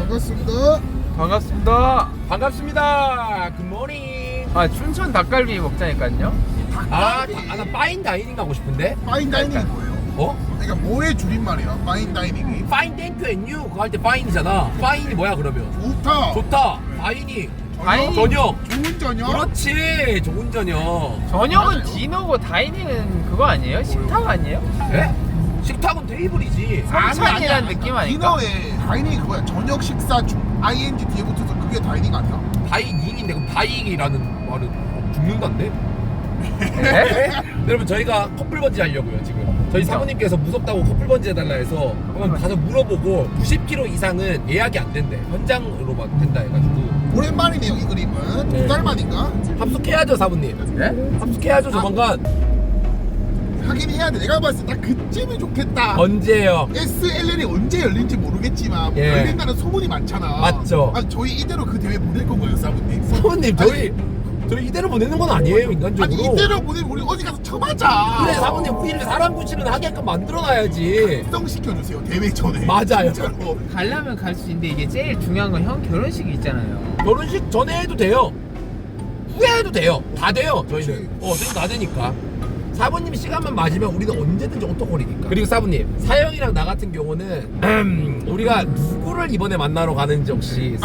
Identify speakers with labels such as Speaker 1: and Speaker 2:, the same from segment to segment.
Speaker 1: 반갑습니다.
Speaker 2: 반갑습니다.
Speaker 3: 반갑습니다. 굿모닝.
Speaker 2: 아 춘천 닭갈비 먹자니까요.
Speaker 3: 나 파인 다이닝 가고 싶은데.
Speaker 1: 파인 다이닝이 뭐예요?
Speaker 3: 어?
Speaker 1: 그러니까 뭐의 줄임말이야? 파인 다이닝이.
Speaker 3: 파인 땡큐 앤유 그거 할 때 파인이잖아. 파인이 뭐야 그러면?
Speaker 1: 좋다.
Speaker 3: 좋다. 파인이.
Speaker 2: 파인.
Speaker 3: 저녁.
Speaker 1: 좋은 저녁.
Speaker 3: 그렇지. 좋은 저녁.
Speaker 2: 저녁은
Speaker 1: 맞아요.
Speaker 2: 디너고 다이닝은 그거 아니에요? 식탁 아니에요?
Speaker 3: 예? 식탁은 테이블이지.
Speaker 2: 삼찬이라는 느낌 아닐까?
Speaker 1: 디너에 다이닝이 그거야. 저녁 식사 중 ing 뒤에 붙어서 그게 다이닝 아니야?
Speaker 3: 다이닝인데 그럼 다이닝이라는 말은 죽는다는데?
Speaker 2: 네?
Speaker 3: 여러분 저희가 커플 번지 하려고요 지금. 저희 사모님께서 무섭다고 커플 번지 해달라 해서 한번 가서 물어보고 90km 이상은 예약이 안 된대. 현장으로만 된다 해가지고
Speaker 1: 오랜만이네요 이 그림은.
Speaker 3: 네.
Speaker 1: 2달 만인가?
Speaker 3: 합숙해야죠 사모님.
Speaker 2: 네?
Speaker 3: 합숙해야죠 조만간.
Speaker 1: 하긴 해야 돼. 내가 봤을 때 나 그쯤이 좋겠다.
Speaker 3: 언제요?
Speaker 1: SLL이 언제 열린지 모르겠지만
Speaker 3: 예.
Speaker 1: 열린다는 소문이 많잖아.
Speaker 3: 맞죠.
Speaker 1: 아, 저희 이대로 그 대회 보낼 건가요, 사부님?
Speaker 3: 사모님 저희 이대로 보내는 건 아니에요 인간적으로.
Speaker 1: 아니 이대로 보내면 우리 어디 가서 쳐맞아.
Speaker 3: 그래 사모님 우리를 사람 구실은 하게끔 만들어놔야지.
Speaker 1: 특성시켜주세요 대회 전에.
Speaker 3: 맞아요.
Speaker 1: 진짜로.
Speaker 2: 가려면 갈 수 있는데 이게 제일 중요한 건 형 결혼식이 있잖아요.
Speaker 3: 결혼식 전에 해도 돼요. 후에 해도 돼요. 다 돼요 저희는. 저희는 다 되니까. 사부님 시간만 맞으면 우리는 언제든지 오토콜이니까. 그리고 사부님 사영이랑 나 같은 경우는 우리가 누구를 이번에 만나러 가는지 혹시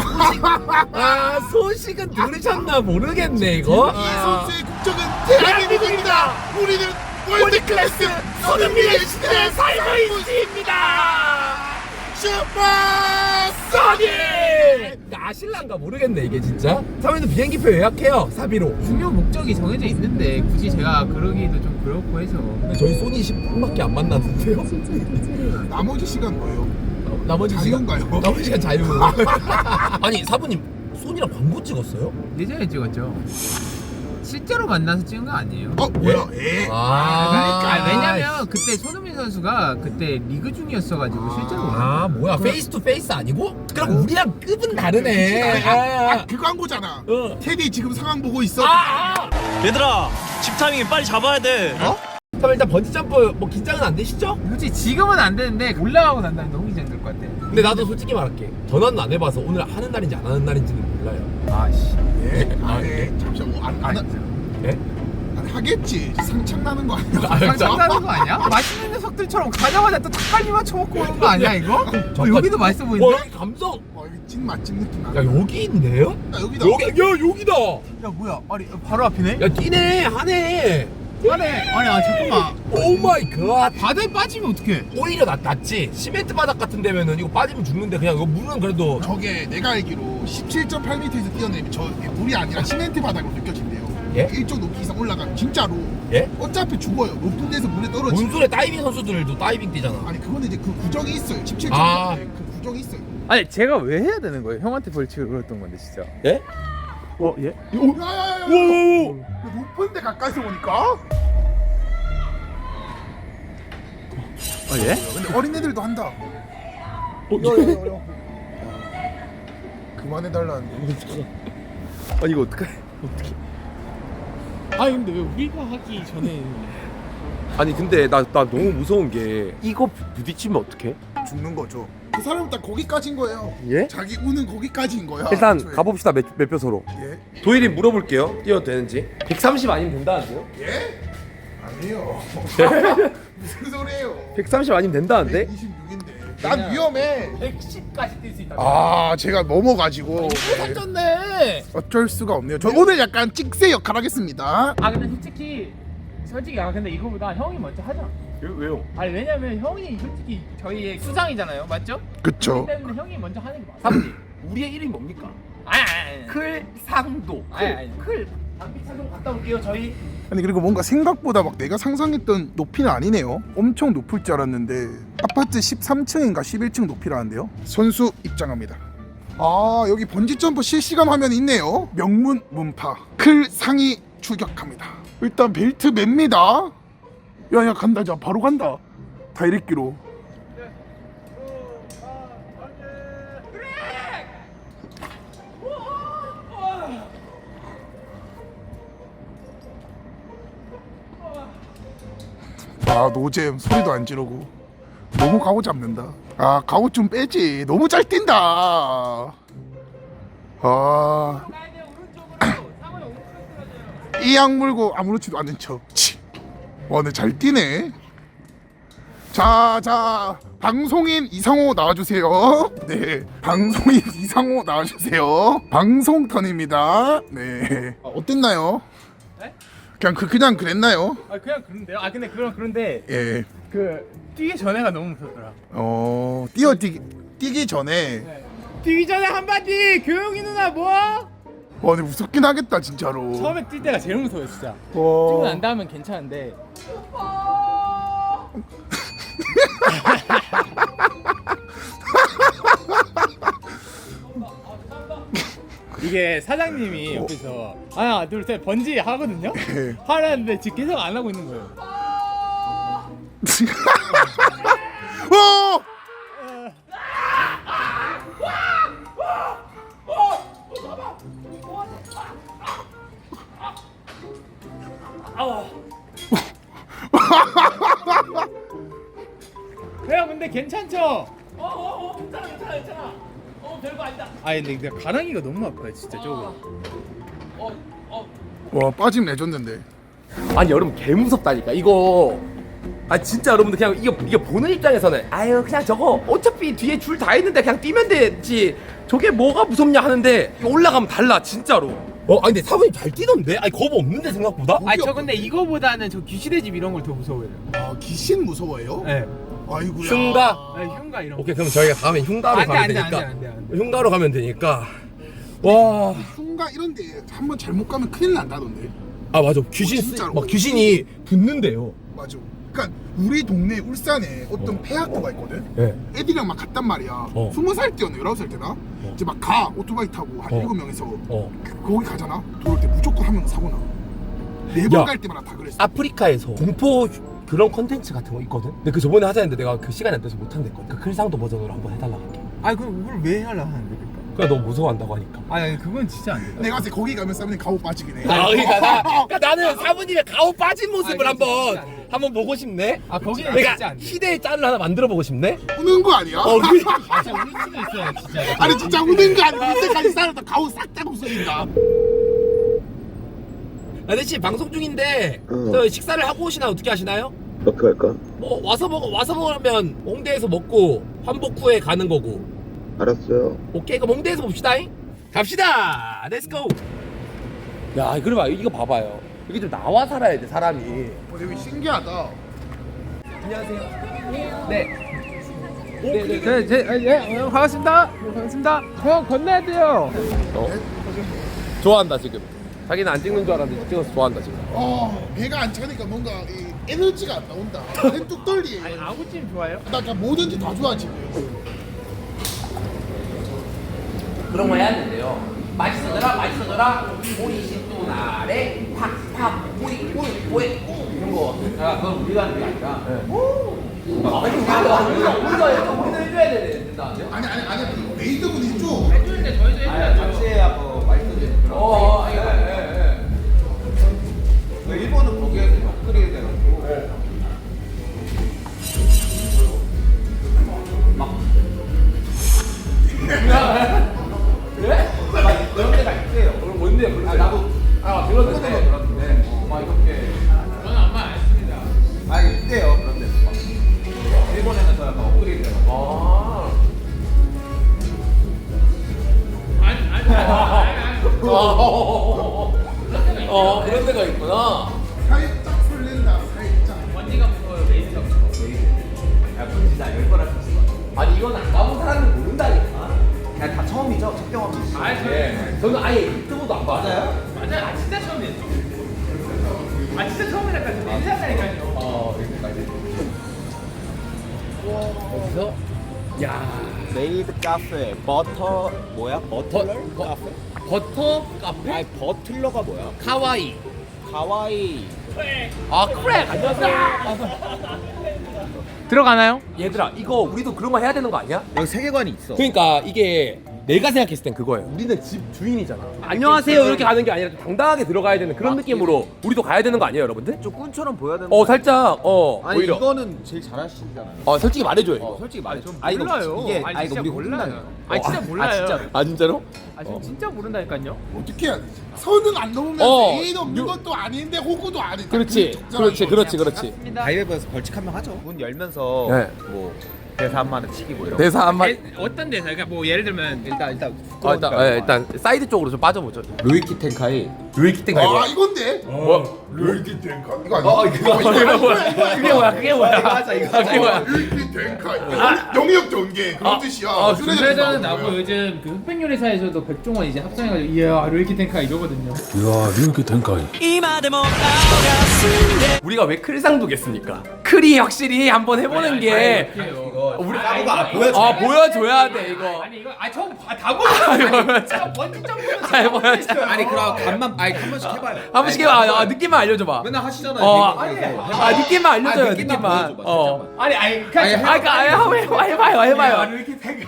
Speaker 3: 소식은 들으셨나 모르겠네 이거.
Speaker 1: 이 선수의 국적은 대한민국입니다. 우리는 월드클래스 손흥민의 시대에 살고 있습니다. 슈퍼
Speaker 3: 써니! 아실란가 모르겠네 이게 진짜. 사부님도 비행기표 예약해요 사비로.
Speaker 2: 중요 목적이 정해져 있는데 굳이 제가 그러기도 좀 그렇고 해서
Speaker 3: 근데 저희 소니 10분밖에 안 만났는데요.
Speaker 1: 나머지 시간 뭐예요?
Speaker 3: 나머지
Speaker 1: 자유인가요?
Speaker 3: 시간, 나머지 시간 자유. 아니 사부님 소니랑 광고 찍었어요?
Speaker 2: 예전에 찍었죠. 실제로 만나서 찍은 거 아니에요?
Speaker 1: 뭐야? 에?
Speaker 2: 그러니까 왜냐면 그때 손흥민 선수가 그때 리그 중이었어가지고 실제로
Speaker 3: 아 뭐야 페이스 투 페이스 아니고? 그럼 우리랑 급은 다르네.
Speaker 1: 그 광고잖아.
Speaker 3: 어.
Speaker 1: 테디 지금 상황 보고 있어.
Speaker 4: 얘들아 집 타이밍 빨리 잡아야 돼.
Speaker 3: 그럼 일단 번지 점프 뭐 긴장은 안 되시죠?
Speaker 2: 솔직히 지금은 안 되는데 올라가고 난 다음에 너무 긴장될 것 같아.
Speaker 3: 근데 나도 솔직히 말할게. 전화는 안 해봐서 오늘 하는 날인지 안 하는 날인지는 몰라요.
Speaker 2: 아씨.
Speaker 1: 예?
Speaker 3: 아,
Speaker 1: 예? 잠시만
Speaker 3: 예?
Speaker 1: 하겠지. 상창 나는 거 아니야?
Speaker 2: 장난하는 거 아니야? 맛있는 녀석들처럼 가자마자 또 닭갈비만 쳐먹고 오는 거 아니야 이거? 여기도 맛있어
Speaker 3: 와
Speaker 2: 보이는데?
Speaker 3: 여기 감성.
Speaker 1: 여기 찐 맛집 느낌 나.
Speaker 3: 야 여기 있네요?
Speaker 1: 야, 여기다.
Speaker 3: 여기다.
Speaker 2: 야 뭐야? 아니 바로 앞이네?
Speaker 3: 야 뛰네 하네.
Speaker 2: 아니 잠깐만.
Speaker 3: 오 마이 갓.
Speaker 2: 바다에 빠지면 어떡해?
Speaker 3: 오히려 낫지. 시멘트 바닥 같은 데면은 이거 빠지면 죽는데 그냥 이거 물은 그래도.
Speaker 1: 저게 내가 알기로 17.8m에서 뛰어내면 저 물이 아니라 시멘트 바닥으로 느껴진대요.
Speaker 3: 예?
Speaker 1: 일정 높이 이상 올라가면 진짜로
Speaker 3: 예?
Speaker 1: 어차피 죽어요. 높은 데서 물에 떨어지.
Speaker 3: 뭔 소리야? 다이빙 선수들도 다이빙 뛰잖아.
Speaker 1: 아니 그거는 이제 그 구정이 있어요. 17.8
Speaker 3: 아.
Speaker 1: 그 구정이 있어요.
Speaker 2: 아니 제가 왜 해야 되는 거예요? 형한테 벌칙을 걸었던 건데 진짜.
Speaker 3: 예?
Speaker 2: 예?
Speaker 1: 야야야야. 높은 데 가까이서 보니까.
Speaker 2: 예?
Speaker 1: 근데 어린애들도 한다. 그만해달라는데.
Speaker 3: 아니 이거 어떡해?
Speaker 5: 아니 근데 왜 우리가 하기 전에
Speaker 3: 아니 근데 나 너무 무서운 게 이거 부딪히면 어떡해?
Speaker 1: 죽는 거죠. 그 사람은 딱 거기까지인 거예요.
Speaker 3: 예?
Speaker 1: 자기 우는 거기까지인 거야.
Speaker 3: 일단
Speaker 1: 애초에.
Speaker 3: 가봅시다 몇 표서로.
Speaker 1: 예?
Speaker 3: 도일이 물어볼게요. 뛰어도 되는지. 130 아니면 된다는데요?
Speaker 1: 예? 아니에요. 무슨 소리예요?
Speaker 3: 130 아니면 된다는데?
Speaker 1: 126인데. 난 위험해.
Speaker 3: 110까지 뛸 수 있다.
Speaker 1: 아, 제가 넘어가지고
Speaker 2: 살쪘네.
Speaker 1: 어쩔 수가 없네요. 저 오늘 약간 찍새 역할 하겠습니다.
Speaker 2: 아 근데 솔직히 근데 이거보다 형이 먼저 하자.
Speaker 3: 왜요?
Speaker 2: 아니 왜냐면 형이 솔직히 저희의 수상이잖아요, 맞죠?
Speaker 1: 그쵸.
Speaker 2: 그렇기 때문에 형이 먼저 하는 게 맞아.
Speaker 3: 사부님 우리의 이름이 뭡니까?
Speaker 2: 아니.
Speaker 3: 클상도.
Speaker 2: 아니.
Speaker 3: 클. 장비 착용 갔다 올게요 저희.
Speaker 1: 아니 그리고 뭔가 생각보다 막 내가 상상했던 높이는 아니네요. 엄청 높을 줄 알았는데 아파트 13층인가 11층 높이라는데요. 선수 입장합니다. 아 여기 번지점프 실시간 화면이 있네요. 명문 문파 클 상이 출격합니다. 일단 벨트 맵니다. 야야 간다. 자 바로 간다. 다이렉트로. 아 노잼 소리도 안 지르고 너무 가오 잡는다. 아 가오 좀 빼지. 너무 잘 뛴다. 아. 이 악물고 아무렇지도 않은 척. 와 근데 잘 뛰네. 자 방송인 이상호 나와주세요. 네 방송인 이상호 나와주세요. 방송 턴입니다. 네 어땠나요?
Speaker 2: 네?
Speaker 1: 그냥 그랬나요?
Speaker 2: 아 그냥 그런데요. 아 근데 그런데
Speaker 1: 예.
Speaker 2: 그 뛰기 전에가 너무 무섭더라.
Speaker 1: 뛰기 전에
Speaker 2: 네. 뛰기 전에 한마디 교영이 누나 뭐?
Speaker 1: 와 근데 무섭긴 하겠다 진짜로.
Speaker 2: 처음에 뛸 때가 제일 무서워요 진짜. 뛰고 난 다음엔 괜찮은데. 이게 사장님이 옆에서 하나 둘 셋 번지 하거든요.
Speaker 1: 예.
Speaker 2: 하라는데 지금 계속 안 하고 있는 거예요.
Speaker 1: 오!
Speaker 2: 형 근데 괜찮죠?
Speaker 3: 괜찮아. 별거 아니다.
Speaker 2: 아 근데 내가 가랑이가 너무 아파요 진짜 저거.
Speaker 1: 와 빠짐 레전드인데.
Speaker 3: 아니 여러분 개 무섭다니까 이거. 아 진짜 여러분들 그냥 이게 보는 입장에서는 아유 그냥 저거 어차피 뒤에 줄 다 있는데 그냥 뛰면 되지 저게 뭐가 무섭냐 하는데 이거 올라가면 달라 진짜로. 아니 근데 사부님 잘 뛰던데? 아니 겁 없는데 생각보다?
Speaker 2: 아니 저 근데 이거보다는 저 귀시대 집 이런 걸 더 무서워해요.
Speaker 1: 아 귀신 무서워요?
Speaker 2: 네.
Speaker 1: 아이고야.
Speaker 3: 흉가?
Speaker 2: 네, 흉가 이런 거.
Speaker 3: 오케이 그럼 저희가 다음에 흉가로 가면 되니까.
Speaker 2: 안 돼.
Speaker 3: 흉가로 가면 되니까. 와.
Speaker 1: 흉가 이런데 한번 잘못 가면 큰일 난다던데.
Speaker 3: 아 맞아 귀신
Speaker 1: 진짜로?
Speaker 3: 막 귀신이 붙는데요.
Speaker 1: 맞아. 그러니까 우리 동네 울산에 어떤 폐학교가 있거든.
Speaker 3: 예.
Speaker 1: 애들이랑 막 갔단 말이야. 20살 때였나 19살 때나. 이제 막 가 오토바이 타고 한 7명에서 거기 가잖아. 돌아올 때 무조건 한 명 사고 나.
Speaker 3: 야.
Speaker 1: 4번 갈 때마다 다 그랬어.
Speaker 3: 아프리카에서 공포 그런 컨텐츠 같은 거 있거든. 근데 그 저번에 하자는데 내가 그 시간이 안 돼서 못 한댔거든. 그 클상도 버전으로 한번 해달라고 할게.
Speaker 2: 아니 그럼 그걸 왜 하려 하는데 그러니까?
Speaker 3: 그러니까 너 무서워한다고 하니까.
Speaker 2: 아니 그건 진짜 안 돼.
Speaker 1: 내가 봤을 때 거기 가면 사람들이 가오 빠지긴 해.
Speaker 3: 그러니까 나는 사부님의 가오 빠진 모습을
Speaker 2: 아니, 진짜 안 돼.
Speaker 3: 한번 보고 싶네.
Speaker 2: 아 거기는
Speaker 3: 그러니까
Speaker 2: 진짜 안 돼.
Speaker 3: 희대의 짤을 하나 만들어 보고 싶네.
Speaker 1: 우는 거 아니야?
Speaker 3: 그래.
Speaker 2: 아 진짜 울 수도 있어요 진짜.
Speaker 1: 아니 진짜 우는 거 아니야? 이때까지 살았다 가오 싹 다 없어진다.
Speaker 3: 아저씨 방송 중인데 저 식사를 하고 오시나 어떻게 하시나요?
Speaker 6: 어떻게 할까?
Speaker 3: 와서 먹으면 홍대에서 먹고 환복 후에 가는 거고.
Speaker 6: 알았어요.
Speaker 3: 오케이 그럼 홍대에서 봅시다잉. 갑시다. 렛츠고. 야 그래 봐 이거 봐봐요. 이게 좀 나와 살아야 돼 사람이.
Speaker 1: 되게 신기하다.
Speaker 3: 안녕하세요. 네.
Speaker 2: 반갑습니다. 반갑습니다. 형 건너야 돼요.
Speaker 3: 좋아한다 지금. 자기는 안 찍는 줄 알았는데 찍어서 좋아한다 지금.
Speaker 1: 배가 안 차니까 뭔가 이 에너지가 안 나온다. 뚝 떨리.
Speaker 2: 아니 아구찜 좋아해요?
Speaker 1: 나 그냥 뭐든지 다 좋아 지금.
Speaker 3: 그런 거 해야 된대요. 맛있어져라. 오이 신도 나래 팍팍 오이 이런 거. 야 그건 우리가 하는 게 아니라. 아니 우리가 해줘야 된다.
Speaker 1: 아니 메이드분 해줘.
Speaker 2: 해주는데 저희도 해줘야 돼요.
Speaker 7: 같이 해야 뭐 맛있어지는 그런 일본은 거기에서 옆그리게 돼가지고 그런 데가 있어요.
Speaker 3: 그럼 뭔데?
Speaker 7: 나도
Speaker 3: 들었는데.
Speaker 7: 그런데 막 이렇게
Speaker 2: 저는 아마 안 했습니다.
Speaker 7: 아 이게 있대요. 그런 데 일본에는 더 약간 업그레이드 돼가지고
Speaker 3: 그런 데가 있구나.
Speaker 1: 살짝 설렌다. 살짝.
Speaker 2: 언니가 무서워요. 메이드가 무서워.
Speaker 7: 야 진짜 열 번할 수 있을 것 같아.
Speaker 3: 아니 이건 안 가본 사람은 모른다니까.
Speaker 7: 그냥 다 처음이죠. 첫 경험이죠.
Speaker 3: 저는 아예 유튜브도 안 봐요.
Speaker 2: 맞아요. 아 진짜 처음이에요. 아 진짜 처음이랄까 저 냄새 난다니까요.
Speaker 3: 어디서? 야
Speaker 7: 메이드 카페 버터 뭐야? 버틀러 카페?
Speaker 3: 버터 카페?
Speaker 7: 아니 버틀러가 뭐야?
Speaker 3: 카와이.
Speaker 7: 가와이.
Speaker 3: 아 그래. 안녕하세요.
Speaker 2: 들어가나요?
Speaker 3: 얘들아 이거 우리도 그런 거 해야 되는 거 아니야?
Speaker 7: 여기 세계관이 있어.
Speaker 3: 그러니까 이게 내가 생각했을 땐 그거예요. 우리는 집 주인이잖아. 안녕하세요 이렇게 가는 게 아니라 좀 당당하게 들어가야 되는 그런 느낌으로 우리도 가야 되는 거 아니에요, 여러분들?
Speaker 7: 좀 꾼처럼 보여야 되는
Speaker 3: 살짝
Speaker 7: 아니
Speaker 3: 오히려
Speaker 7: 이거는 제일 잘하시잖아요.
Speaker 3: 솔직히 말해줘요 이거.
Speaker 7: 솔직히 말해줘.
Speaker 2: 몰라요.
Speaker 7: 이게
Speaker 2: 아니,
Speaker 7: 이거
Speaker 2: 진짜
Speaker 7: 우리
Speaker 2: 몰라요.
Speaker 7: 혼나요.
Speaker 5: 아니 진짜 몰라요.
Speaker 7: 진짜로?
Speaker 3: 아 진짜로?
Speaker 5: 아 지금 진짜 모른다니까요.
Speaker 1: 어떻게 해야 되지? 선은 안 넘으면서 A도 없는 것도 아닌데 호구도 아니다.
Speaker 3: 그렇지 그렇지.
Speaker 7: 가위바위보에서 벌칙 한 명 하죠. 문 열면서
Speaker 3: 네.
Speaker 7: 뭐 대사 한 마디 치기 뭐 이런 거.
Speaker 3: 대사 한 마디.
Speaker 5: 어떤 데서 그러니까 뭐 예를 들면
Speaker 3: 일단 사이드 쪽으로 좀 빠져보죠.
Speaker 7: 루이키 텐카이.
Speaker 3: 루이키 땡가
Speaker 1: 아 이건데?
Speaker 3: 뭐야?
Speaker 1: 룰키 탱카 이거 아니야?
Speaker 3: 그게 뭐야?
Speaker 7: 맞아 이거
Speaker 3: 그게 뭐야?
Speaker 1: 룰키 탱카 영역 전개 그런 뜻이야.
Speaker 5: 준비자는 나고 요즘 그 흑백 요리사에서도 백종원 이제 합성해가지고 이야 르이키 텐카 이러거든요.
Speaker 3: 우리가 왜 클상도 겠습니까? 클이 확실히 한번 해보는 게 우리 보여줘야 돼 이거.
Speaker 5: 아니 이거 다 보여. 제가 번지 점프는
Speaker 7: 아니 그럼 간만 한 번씩 해봐요.
Speaker 3: 한 번씩 해봐. 느낌만 알려줘봐.
Speaker 7: 맨날 하시잖아요.
Speaker 3: 느낌만 알려줘요. 느낌만. 해봐요.
Speaker 5: 르이키 텐카.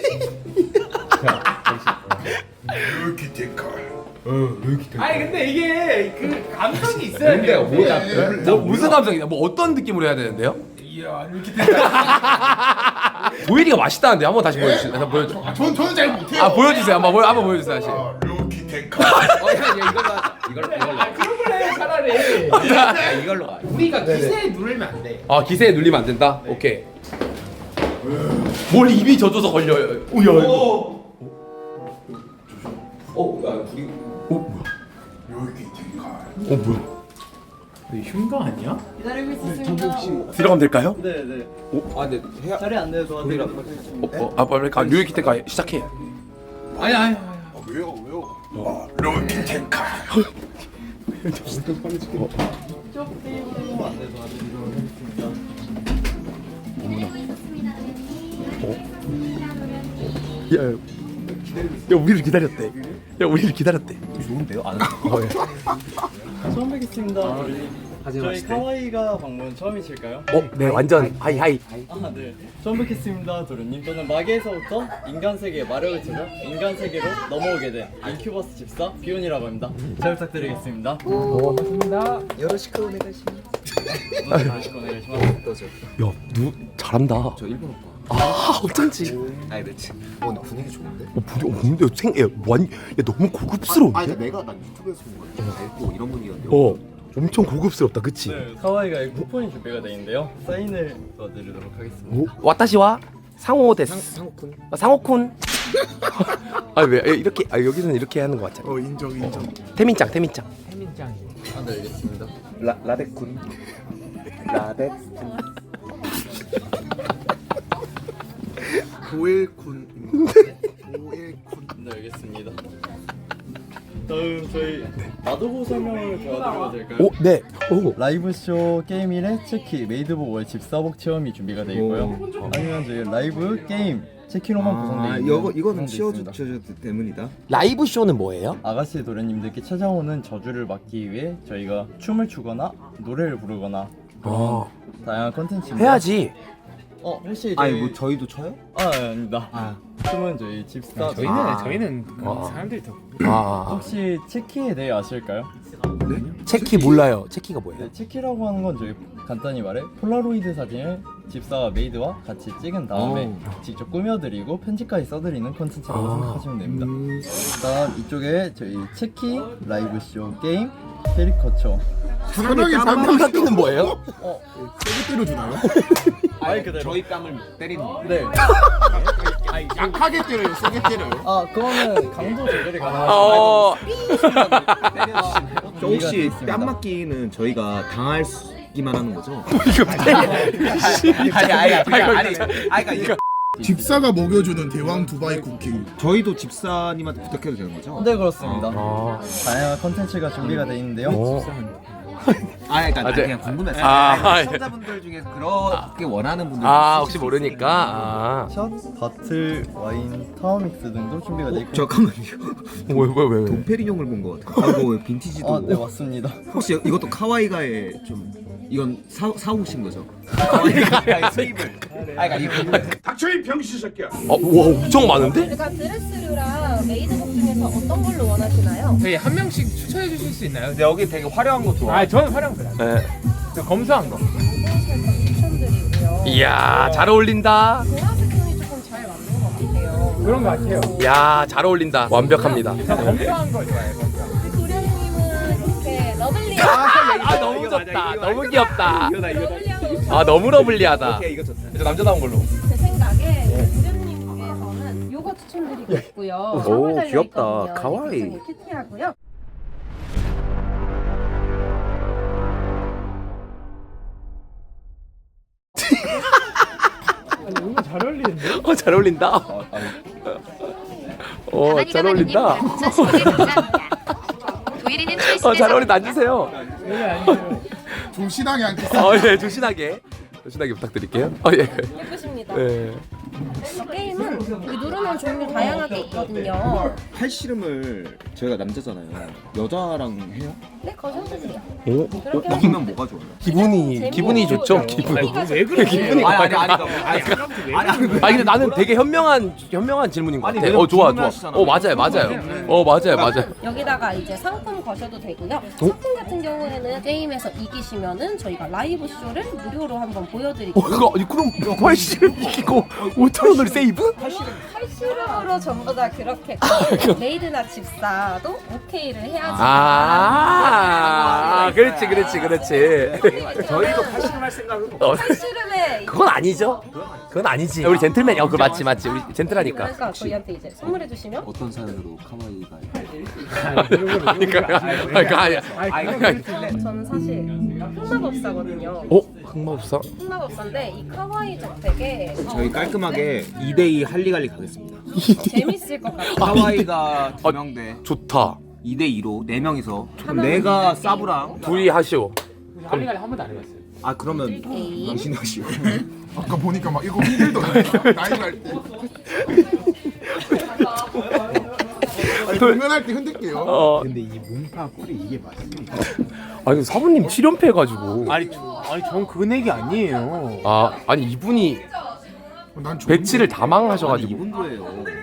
Speaker 1: 룰키 탱카.
Speaker 5: 아니 근데 이게 그 감성이 있어야 돼요.
Speaker 3: 무슨 감성이냐? 뭐 어떤 느낌으로 해야 되는데요? 이야 르이키 텐카. 도일이가 맛있다는데 한번 다시 보여주세요.
Speaker 1: 저는 잘 못해요.
Speaker 3: 보여주세요. 한번 보여주세요 다시.
Speaker 1: 룰키 탱카.
Speaker 7: 이걸로.
Speaker 5: 그런 걸 해 차라리.
Speaker 7: 이걸로 가.
Speaker 5: 우리가 기세에 누르면 안 돼.
Speaker 3: 기세에 눌리면 안 된다. 오케이. 뭘 입이 젖어서 걸려요. 오야.
Speaker 1: 룰키 탱카.
Speaker 3: 뭐야?
Speaker 5: 흉가 아니야?
Speaker 6: 기다리고 있었습니다.
Speaker 3: 들어가면 될까요?
Speaker 6: 네네.
Speaker 7: 아 근데 해야.
Speaker 6: 자리 안 돼서
Speaker 3: 빨리 류이키 때가 시작해.
Speaker 5: 아니.
Speaker 1: 왜요? 룰키 탱카.
Speaker 6: 이쪽 테이블로 안 돼서
Speaker 3: 야 우리를 기다렸대.
Speaker 7: 좋은데요? 안
Speaker 6: 처음 뵙겠습니다. 저희 카와이가 방문 처음이실까요?
Speaker 3: 네 완전 하이.
Speaker 6: 아 네. 처음 뵙겠습니다, 도련님. 저는 마계에서부터 인간 세계의 마력을 찾아 인간 세계로 넘어오게 된 인큐버스 집사 비온이라고 합니다. 잘 부탁드리겠습니다.
Speaker 7: 여러시크 오네가시.
Speaker 3: 야누 잘한다.
Speaker 7: 저 일본 오빠.
Speaker 3: 어쩐지.
Speaker 7: 아니 그렇지. 근데 분위기 좋은데?
Speaker 3: 근데 너무 고급스러운데?
Speaker 7: 내가 유튜브에서 본 거야. 알고 이런 분위기였는데.
Speaker 3: 엄청 고급스럽다, 그치?
Speaker 6: 카와이가 쿠폰이 준비가 되어 있는데요. 사인을 도와드리도록 하겠습니다.
Speaker 3: 와타시와 상호 데스.
Speaker 7: 상호쿤.
Speaker 3: 상호쿤. 왜 이렇게 여기서는 이렇게 하는 거 같잖아.
Speaker 1: 인정.
Speaker 3: 태민짱.
Speaker 6: 아, 네, 알겠습니다.
Speaker 7: 라데쿤.
Speaker 1: 도일쿤.
Speaker 6: 네, 알겠습니다. 다음 저희 마도보 설명을 도와드려도 될까요?
Speaker 3: 네.
Speaker 6: 라이브쇼 게임 1회 체키 메이드복월 집사복 체험이 준비가 되어 있고요. 아니면 저희 라이브 게임 체키로만 구성되어 있는
Speaker 7: 이거는
Speaker 6: 있습니다.
Speaker 7: 치워줘 때문이다.
Speaker 3: 라이브 쇼는 뭐예요?
Speaker 6: 아가씨 도련님들께 찾아오는 저주를 막기 위해 저희가 춤을 추거나 노래를 부르거나 그런 다양한 컨텐츠입니다.
Speaker 3: 해야지.
Speaker 6: 혹시 저희...
Speaker 7: 저희도 쳐요?
Speaker 6: 아닙니다. 춤은 저희 집사
Speaker 5: 저희는 사람들이 더.
Speaker 6: 혹시 체키에 대해 아실까요?
Speaker 3: 체키 몰라요. 체키가 뭐예요?
Speaker 6: 네, 체키라고 하는 건 저희 간단히 말해 폴라로이드 사진을 집사와 메이드와 같이 찍은 다음에 직접 꾸며드리고 편집까지 써드리는 콘텐츠라고 생각하시면 됩니다. 일단 이쪽에 저희 체키 라이브쇼 게임 캐리커처
Speaker 1: 사랑의
Speaker 3: 깜깜이는 뭐예요?
Speaker 1: 세게 때려주나요?
Speaker 6: 말 그대로
Speaker 7: 저희 뺨을 때리는 거.
Speaker 6: 네.
Speaker 1: 약하게 때려요? 세게 때려요?
Speaker 6: 그거는 강도 조절이 가능하시고
Speaker 7: 혹시 뺨 맞기는 저희가 당할기만 하는 거죠? 아니
Speaker 1: 집사가 먹여주는 대왕 두바이 쿠킹.
Speaker 7: 저희도 집사님한테 부탁해도 되는 거죠?
Speaker 6: 네, 그렇습니다. 다양한 컨텐츠가 준비가 되어 있는데요.
Speaker 7: 그러니까
Speaker 3: 아, 네.
Speaker 7: 그냥 궁금했어요. 시청자분들 중에서 그렇게 원하는 분들
Speaker 3: 혹시 모르니까.
Speaker 6: 샷, 바틀, 와인, 타워믹스 등도 준비가 되어 있고.
Speaker 7: 잠깐만요.
Speaker 3: 왜?
Speaker 7: 도페리뇽을 본 것 같아요. 뭐 빈티지도.
Speaker 6: 아, 네 맞습니다.
Speaker 7: 혹시 이것도 카와이가의 좀 이건 사오신 거죠? 카와이가의 수입을. 이거
Speaker 1: 닥쳐이 병신 새끼야.
Speaker 3: 와 엄청 많은데?
Speaker 8: 그러니까 드레스류랑 메이드복 중에서 어떤 걸로 원하시나요?
Speaker 5: 저희 한 명씩 추천해 주실 수 있나요?
Speaker 7: 근데 여기 되게 화려한 거 좋아.
Speaker 5: 저는 활용 그래.
Speaker 3: 네.
Speaker 5: 저 검소한 거.
Speaker 8: 추천드리고요.
Speaker 3: 이야 잘 어울린다.
Speaker 8: 보라색 톤이 조금 잘 맞는 것 같아요.
Speaker 5: 그런 거 같아요.
Speaker 3: 이야 잘 어울린다. 완벽합니다.
Speaker 5: 저 검소한 거 좋아해요.
Speaker 8: 도련님은 이렇게 러블리한
Speaker 3: 너무 좋다. 너무 귀엽다.
Speaker 8: 러블리한
Speaker 3: 아 너무 러블리하다.
Speaker 7: 이거 좋다.
Speaker 3: 저 남자다운 걸로.
Speaker 8: 제 생각에 도련님께서는 요거 추천드리고 있고요.
Speaker 3: 오,
Speaker 8: 선물
Speaker 3: 귀엽다.
Speaker 8: 달려있거든요.
Speaker 3: 가와이.
Speaker 8: 굉장히 큐티하고요.
Speaker 5: 이거 잘 어울리는데?
Speaker 3: 잘 어울린다. 잘 어울린다. 잘 어울린다. 앉으세요.
Speaker 1: 조신하게 앉겠어.
Speaker 3: 예, 조신하게 부탁드릴게요. 예.
Speaker 8: 예쁘십니다.
Speaker 3: 네.
Speaker 8: 게임은 여기 누르는 종류 다양하게 있거든요.
Speaker 7: 팔씨름을 저희가 남자잖아요. 여자랑 해요?
Speaker 8: 네, 거셔주세요.
Speaker 7: 이기면 뭐가 좋아요?
Speaker 3: 기분이 좋죠.
Speaker 5: 왜 그래?
Speaker 3: 기분이
Speaker 7: 아니
Speaker 3: 근데 나는 되게 현명한 질문인 것 같아. 좋아. 맞아요.
Speaker 8: 여기다가 이제 상품 거셔도 되고요. 상품 같은 경우에는 게임에서 이기시면은 저희가 라이브 쇼를 무료로 한번 보여드릴게요.
Speaker 3: 그럼 훨씬 이기고 5,000원을 세이브?
Speaker 8: 팔씨름으로 전부 다 그렇게 메이드나 집사도 오케이를 해야지.
Speaker 3: 그렇지.
Speaker 7: 저희도 팔씨름 할 생각은
Speaker 8: 팔씨름에
Speaker 3: 그건 아니죠. 그건 아니지. 우리 젠틀맨이. 그거 맞지. 우리 젠틀하니까.
Speaker 8: 그러니까 저희한테 이제 선물해 주시면
Speaker 7: 어떤 사연으로 카와이가
Speaker 8: 저는 사실 흑마법사거든요.
Speaker 3: 흑마법사?
Speaker 8: 흑마법사인데 이 카와이 저택에
Speaker 7: 저희 깔끔하게 2대2 할리갈리 가겠습니다.
Speaker 8: 재밌을 것 같아요.
Speaker 7: 카와이가 2명
Speaker 3: 좋다.
Speaker 7: 2대2로 4명이서 내가 사부랑
Speaker 3: 둘이 하시오.
Speaker 5: 할리갈리 한 번도 안 해봤어요.
Speaker 7: 그러면 당신이 하시고
Speaker 1: 아까 보니까 막 이거 힘들더라고요. 나이 갈 때. 공연할 때 흔들게요.
Speaker 2: 근데 이 문파 꿀이 이게 맞습니까?
Speaker 3: 아니 사부님 7연패 해가지고.
Speaker 2: 아니 전 금액이 아니에요.
Speaker 3: 아니 이분이
Speaker 1: 난 좋은데.
Speaker 3: 배치를 다 망하셔가지고.
Speaker 7: 이분 거예요.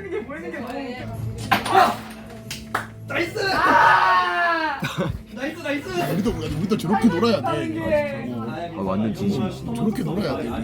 Speaker 1: 우리도 저렇게 놀아야 돼.
Speaker 7: 완전 진심이시네.
Speaker 1: 저렇게 놀아야 돼.